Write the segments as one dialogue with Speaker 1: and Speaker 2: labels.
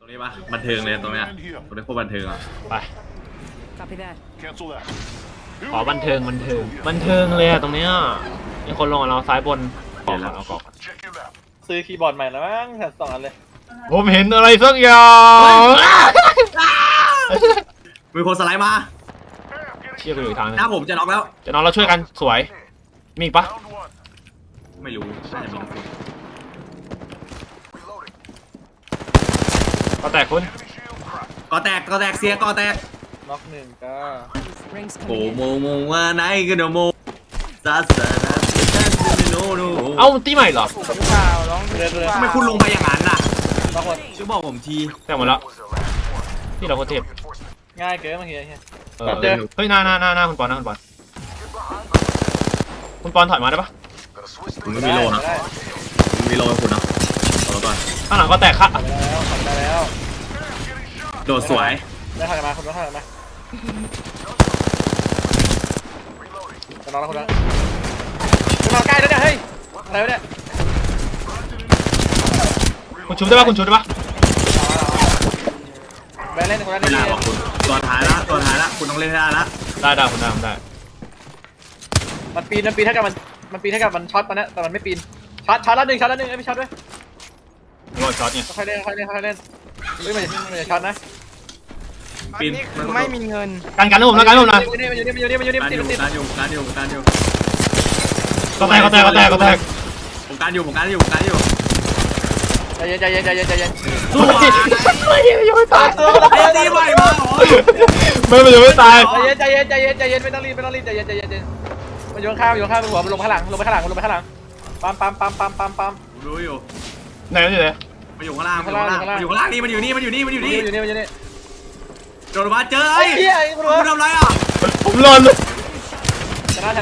Speaker 1: ตรงนี้ปะบันเทิงเลยตรงเนี้ยตรงนี้โคตรบันเทิงอ่ะ
Speaker 2: ไป
Speaker 3: Copy that.
Speaker 2: ขอบันเทิงเลยอะตรงเนี้ยมีคนลงกับเราซ้ายบนกอกเอากอก
Speaker 4: ซื้อคีย์บอร์ดใหม่แล้วมั้งแถม2 อันเลย
Speaker 2: ผมเห็นอะไรสักอย่าง
Speaker 1: มีคนสไลด์มา
Speaker 2: เชี่ยไปอยู่อีกทางนึง
Speaker 1: หน้าผมจะน็อกแล้ว
Speaker 2: จะนอนเราช่วยกันสวยมีอีกปะ
Speaker 1: ไม่รู้น่าจะมีคน
Speaker 2: ก็แตกคุณ
Speaker 1: ก่อแตกเสียก่อแตก
Speaker 4: น็อก1ก็
Speaker 3: Rings
Speaker 1: โอ้
Speaker 3: coming
Speaker 1: โม
Speaker 3: in.
Speaker 1: โมว่าไหนกันโมซาซานาโนโน
Speaker 2: เอ้าตีใหม่เหรอ
Speaker 4: หรือเปล่าน้องเรือ
Speaker 1: ทำไมคุณลงไปอย่างนั้นน่ะ
Speaker 4: บางคน
Speaker 1: ช่วยบอกผมที
Speaker 2: แตกหมดแล้วที่เราโคตรเทพ
Speaker 4: ง่ายเกินบางที
Speaker 2: เฮ้ยหน้าคุณปอนคุณปอนถอยมาได้ปะ
Speaker 1: ผมไม่มีโลนะผมมีโลให้คุณนะเอาก่อน
Speaker 2: ข้างหลังก็แตกค่ะ
Speaker 4: ได้แล้ว
Speaker 1: โดดสวย
Speaker 4: ได้ทางมาคุณต้องทางมาจะนอนแล้วคุณนะจะนอนใกล้แล้วเนี่ยเฮ้ยอะไรวะเนี่ย
Speaker 2: คุณชุบได้ปะ
Speaker 4: แบนเล่นคนละ
Speaker 1: ไม่
Speaker 4: นี่
Speaker 1: น่าบอกคุณตัวท้ายละคุณต้องเล่นให้ได้ละ
Speaker 2: ได้คุณได้
Speaker 4: มันปีนถ้ากับมันช็อตมันนะแต่มันไม่ปีนช็อตละหนึ่งไม่ช็อตด้วย
Speaker 2: รอช็อตเนี่ย
Speaker 4: ค่อยเล่นเฮ้ยมันจะช็อตนะ
Speaker 1: ปีน
Speaker 5: ไม่มีเงิน
Speaker 2: กันให้ผมนะ
Speaker 4: มันอยู่นี่
Speaker 1: การอยู่
Speaker 4: ติด
Speaker 2: ก็แตก
Speaker 1: ผมการอยู่
Speaker 4: ใจเย็น
Speaker 1: สวย
Speaker 2: ยังไม่ตาย
Speaker 1: ไอ้ตีใหม่มาเหรอ
Speaker 2: มันยังไม่ตาย
Speaker 4: ใจเย็นไม่ต้องรีบใจเย็นมันโยนข้ามไปหัวมันลงไปข้างหลังปั๊ม
Speaker 1: ผมรู้อยู่
Speaker 2: ไหนมันอยู่ไหน
Speaker 1: มันอยู่ข้างล่างนี่มันอยู่นี่โดนมาเจอ
Speaker 4: ไอ้เหี้ยคุณ
Speaker 1: คุณทำไรอ่ะ
Speaker 2: ผมรอนเลย
Speaker 4: ชนะ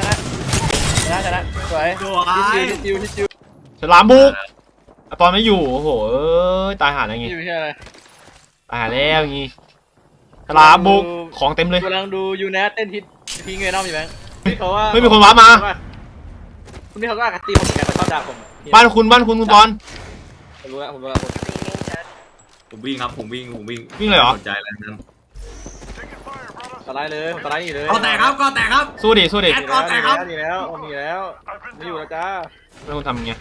Speaker 4: สวยชิว
Speaker 2: ฉลามบุกตอนไม่อยู่โอ้โหตายหาอะไรงี้
Speaker 4: อยู่ที่อะไร
Speaker 2: ตายหาแล้วงี้ฉลามบุกของเต็มเลย
Speaker 4: กำลังดูยูเนสเต้นฮิตพีเงินน้องอยู่ไหมเขาว่า
Speaker 2: ไม่มีคนว้ามา
Speaker 4: คุณนี่เขาก็ตีผมเหมือนกันแต่เขาด่าผม
Speaker 2: บ้านคุณคุณปอน
Speaker 4: ผมรู้แล้ว
Speaker 1: ผมวิ่งครับผมวิ่ง
Speaker 2: วิ่งเลยเหรอ
Speaker 1: สนใจอะไรนั้น
Speaker 4: สไลด์เลยสไลด์อยู่เลย
Speaker 1: ก็แตกครับ
Speaker 2: สู้ดิ
Speaker 4: ดีแล้วไม่อยู่แล้วจ้า
Speaker 2: ไม่ต้องทำอย่างเงี้ย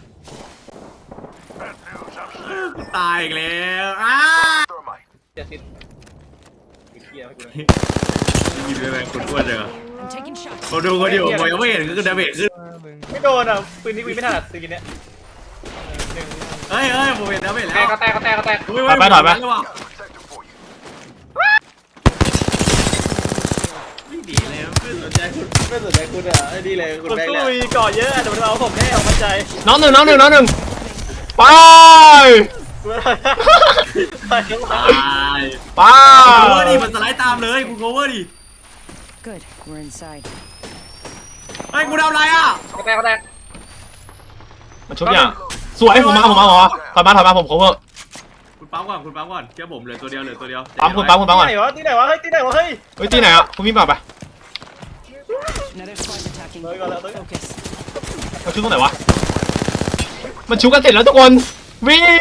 Speaker 1: ตายอีกแล้ว
Speaker 4: 70เฮียไม่กู
Speaker 1: ยิงด้วยแรงคุณอ้วนเลย
Speaker 3: I'm taking shots.
Speaker 1: ผมดูคนอยู่ผมยังไม่เห็นคือดาเมจขึ้น
Speaker 4: ไม่โดนอ่ะปืนนี้วิ่งไม่ถนัดปืนเนี้ย
Speaker 1: เฮ้ยผมเห็นดาเมจแล้ว
Speaker 4: ก็แตก
Speaker 1: ไม่ดีเลยขึ้นสนใจคุณ
Speaker 4: ไม่สนใจคุณอ่ะดีเลยคุณสู้มีก่อเยอะแต่มันเอาผมแน่เอามั่นใจ
Speaker 2: น้องหนึ่งไป
Speaker 4: ไป
Speaker 1: ตาย
Speaker 2: ไป
Speaker 1: โคเวอร์ดิมันสไลด์ตามเลยคุณโคเวอร์ดิ
Speaker 3: Good. We're inside.
Speaker 1: เฮ้ยกูทำอะไรอ่ะ
Speaker 4: ก็แตก
Speaker 2: มันชุบอย่างสวยผมมาถอยมาผม cover
Speaker 1: คุณปั๊มก่อนเชื่อผมเหลือตัวเดียว
Speaker 2: ปั๊มก่อน
Speaker 4: ที่ไหนวะเฮ้ย
Speaker 2: ที่ไหนอ่ะคุณวิ่งไป
Speaker 3: Another squad attacking.
Speaker 4: เลยก่อนแล้ว
Speaker 3: Focus.
Speaker 2: มันชุบตรงไหนวะมันชุบกันเสร็จแล้วทุกคนวิ่ง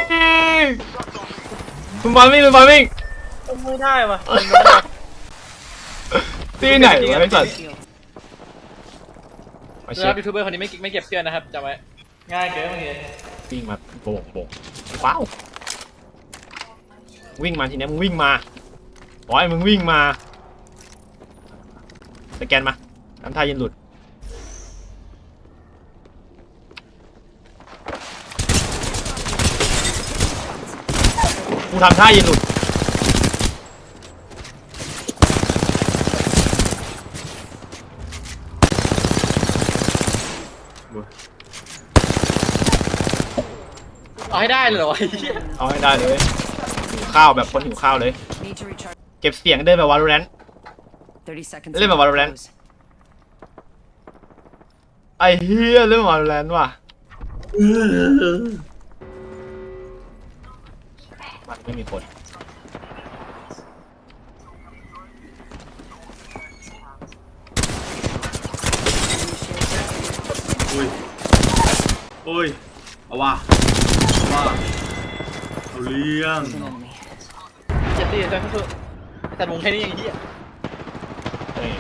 Speaker 2: คุณบอลวิ่ง
Speaker 4: ไม่ได้ว่ะ
Speaker 2: ที่ไหนวะไอ้สัส
Speaker 3: Shield.
Speaker 2: มา
Speaker 4: ค
Speaker 2: เช็
Speaker 4: รั
Speaker 2: ค
Speaker 4: บยูทูบเบอร์คนนี้ไม่เก็บเพื่อนนะครับจำไว้ง่ายเกินบางที
Speaker 2: วิ่งมาโบกว้าววิ่งมาทีนี้มึงวิ่งมาบอยมึงวิ่งมาสแกนมาทำท่ายืนหลุดกูทำท่ายืนหลุด
Speaker 4: เอาให้ได้เลยเหรอ
Speaker 2: เอาให้ได้เลยหิวข้าวแบบคนหิวข้าวเลย
Speaker 3: Need to recharge.
Speaker 2: เก็บเสียงเดินแบบวาโลแรนต์
Speaker 3: 30 seconds.
Speaker 2: Live
Speaker 3: until
Speaker 2: Valorant.
Speaker 3: close.
Speaker 2: ไอ้เฮียเรื่องวาโลแรนต์ว่ะมันไม่มีคน
Speaker 1: อุ้ยเอาว่ะเอาเรื่อง
Speaker 3: There's an enemy.
Speaker 4: ตีจนสุดแต่วงแค่นี้อย่างเหี้ย
Speaker 2: เฮ้ย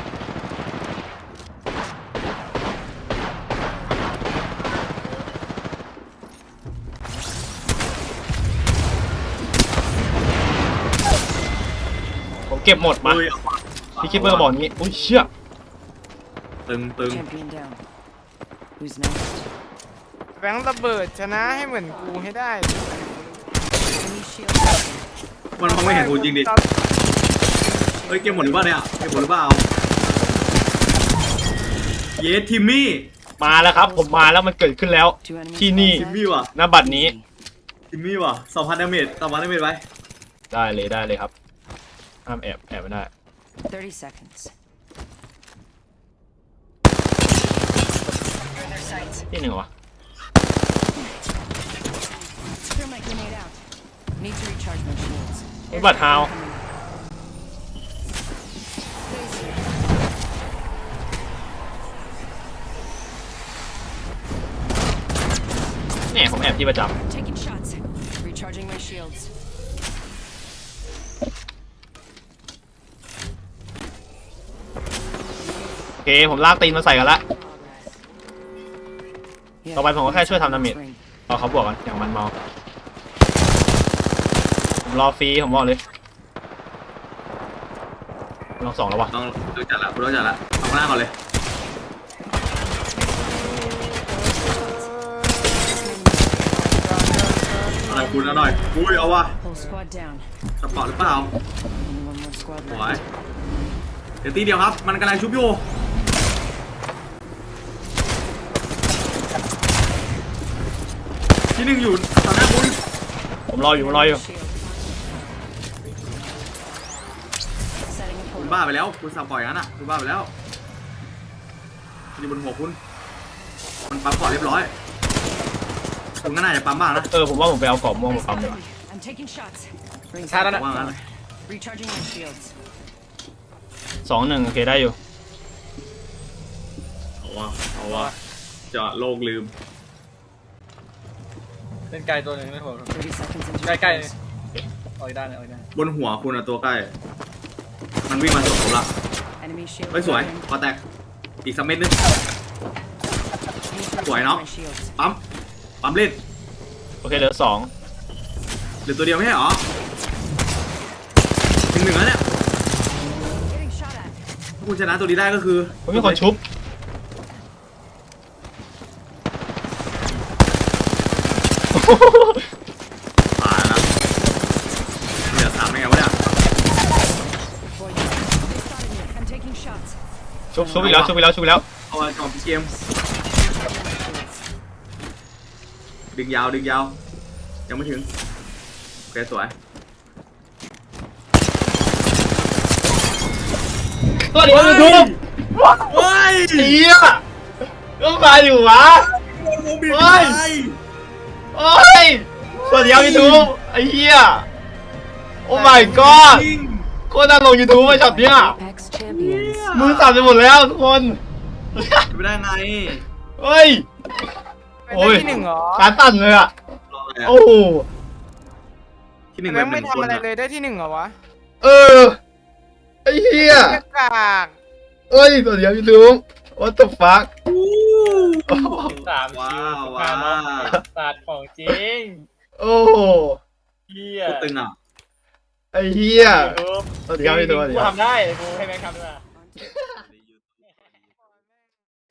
Speaker 2: ผมเก็บหมดมา
Speaker 1: เฮ้ย
Speaker 2: พี่คิปเปอร์บอกนี้อุ้ยเชี่ย
Speaker 1: ตึง
Speaker 3: Champion down. Who's next?
Speaker 5: แบงค์ระเบิดชนะให้เหมือนกูให้ได้
Speaker 3: Enemy shield broken.
Speaker 1: มันคงไม่เห็นกูจริงดิเฮ้ยเกมหมดหรือเปล่าเนี่ยเกมหมดหรือเปล่าเยสทิมมี่
Speaker 2: มาแล้วครับ ผมมาแล้วมันเกิดขึ้นแล้ว
Speaker 3: Two enemies.
Speaker 2: ที่นี่
Speaker 1: ทิมมี่ว่ะ
Speaker 2: ณบัดนี้
Speaker 1: ทิมมี่ว่ะ2,000 ดาเมจ2,000 ดาเมจไว้
Speaker 2: ได้เลยครับห้ามแอบไม่ได้
Speaker 3: 30 seconds.
Speaker 2: ที่หนึ่งวะ
Speaker 3: Throw my grenade out. Need to recharge my shields.
Speaker 2: บัตรฮาว เนี่ยผมแอบที่ประจ
Speaker 3: Taking shots. Recharging my shields.
Speaker 2: ำโอเคผมลากตีนมาใส่กันละ
Speaker 3: Yeah,
Speaker 2: ต่อไปผมก็แค่ช่วยทำดาเมจ
Speaker 3: ring.
Speaker 2: รอเขาบวกกันอย่างมันเมาผมรอฟรีผมบอกเลยลองสองแล้ววะ
Speaker 1: ต้องจัดละกูต้องจัดละเอาหน้าก่อนเลยอะไรคุณนะหน่อยอุ้ยเอาว่ะ
Speaker 3: Whole squad down.
Speaker 1: สปอร์ตหรือเปล่า
Speaker 3: Only one more squad
Speaker 1: สวย
Speaker 3: left.
Speaker 1: เดี๋ยวตีเดียวครับมันกำลังชุบอยู่ที่หนึ่งอยู่ต่อหน้าคุณ
Speaker 2: ผมรออยู่
Speaker 3: Shield. Setting a
Speaker 1: คุณ
Speaker 3: portal.
Speaker 1: บ้าไปแล้วคุณสับปล่อยงั้นอ่ะคุณบ้าไปแล้วอยู่บนหัวคุณมันปั๊มก่อนเรียบร้อยคุณก็น่าจะปั๊มบ้างนะ
Speaker 2: ผมว่าผมไปเอากรอบม่วงมาปั๊มเลย
Speaker 3: I'm taking shots. Rings
Speaker 4: ชาร์จแล้ว
Speaker 3: out.
Speaker 4: นะ
Speaker 1: ว่างั้นเลย
Speaker 3: Recharging my shields.
Speaker 2: 2-1โอเคได้อยู่
Speaker 1: เอาว่ะจะโลกลืม
Speaker 4: เล่นไกลตัวหนึ่งไม่โหด
Speaker 3: 30 seconds into
Speaker 4: ใกล้
Speaker 3: the
Speaker 4: ๆ
Speaker 3: close.
Speaker 4: เอาอีกด้านเอาอีกด้าน
Speaker 1: บนหัวคุณอะตัวใกล้ มันวิ่งมาสวนผมละ
Speaker 3: Enemy shield.
Speaker 1: เฮ้ยสวย
Speaker 3: broken.
Speaker 1: พอแตกอีกสักเม็ดนึง
Speaker 3: Need to
Speaker 1: สวย
Speaker 3: recharge
Speaker 1: เนาะ
Speaker 3: my shields.
Speaker 1: ปั๊มเล่น
Speaker 2: โอเคเหลือ
Speaker 1: เหลือตัวเดียวไม่ใช่เหรอถึงหนึ่งแล้วเนี่ย
Speaker 3: Getting shot at.
Speaker 1: ถ้าคุณชนะตัวนี้ได้ก็คือ
Speaker 2: 2ผมมีคนชุบ
Speaker 1: ตายแล้วนะเหลือ3ได้ไงวะเนี่ย
Speaker 3: Boy, they spotted me. I'm taking shots.
Speaker 2: ชุบอีกแล้ว
Speaker 1: เอาไว้ก่อนพี่เกม
Speaker 3: Shields.
Speaker 1: ดึงยาวยังไม่ถึงโอเคสวย
Speaker 2: สวัสดีครับทุก
Speaker 1: เฮ้ย
Speaker 2: เฮียก็มาอยู่วะ
Speaker 1: โมบิล
Speaker 2: เฮ้ย โอ้ยสวัสดีครับยูทูบไอ้เหี้ย โอ้ my god โคตรน่าลงยูทูบมาช็อตเนี้ย
Speaker 3: Apex champions.
Speaker 2: มือสั่นไปหมดแล้วทุกคน
Speaker 1: ไม่ได้ไง
Speaker 2: เฮ้ย
Speaker 5: เป็น
Speaker 2: โอ้ย
Speaker 5: ที่หนึ่งเหรอ
Speaker 2: ขาสั่นเลยอ่ะ
Speaker 1: รออะไรอะ
Speaker 2: โอ้โห
Speaker 1: ที่หนึ่ง
Speaker 5: แบ
Speaker 1: แบ
Speaker 5: ง
Speaker 1: บ
Speaker 5: ค์
Speaker 1: ห
Speaker 5: ไม่
Speaker 1: นึ่ง
Speaker 5: ทำ
Speaker 1: คน
Speaker 5: อะไร
Speaker 1: อะ
Speaker 5: เลยได้ที่หนึ่งเหรอวะ
Speaker 2: เออ ไอ้เหี้ย
Speaker 5: เหี้ยกาก
Speaker 2: เอ้ยสวัสดีครับยูทูบ what the fuck
Speaker 1: ว้าวว้าว
Speaker 4: ศาสตร์ของจริง
Speaker 2: โอ้โห
Speaker 4: เฮีย
Speaker 1: โคตรตึงอ่ะ
Speaker 2: ไอ้เหี้ย สวัสดีครับยูทูบสวัสดี
Speaker 4: กู
Speaker 2: ครับ
Speaker 4: ทำได้กูให้แบงค์ทำด้วย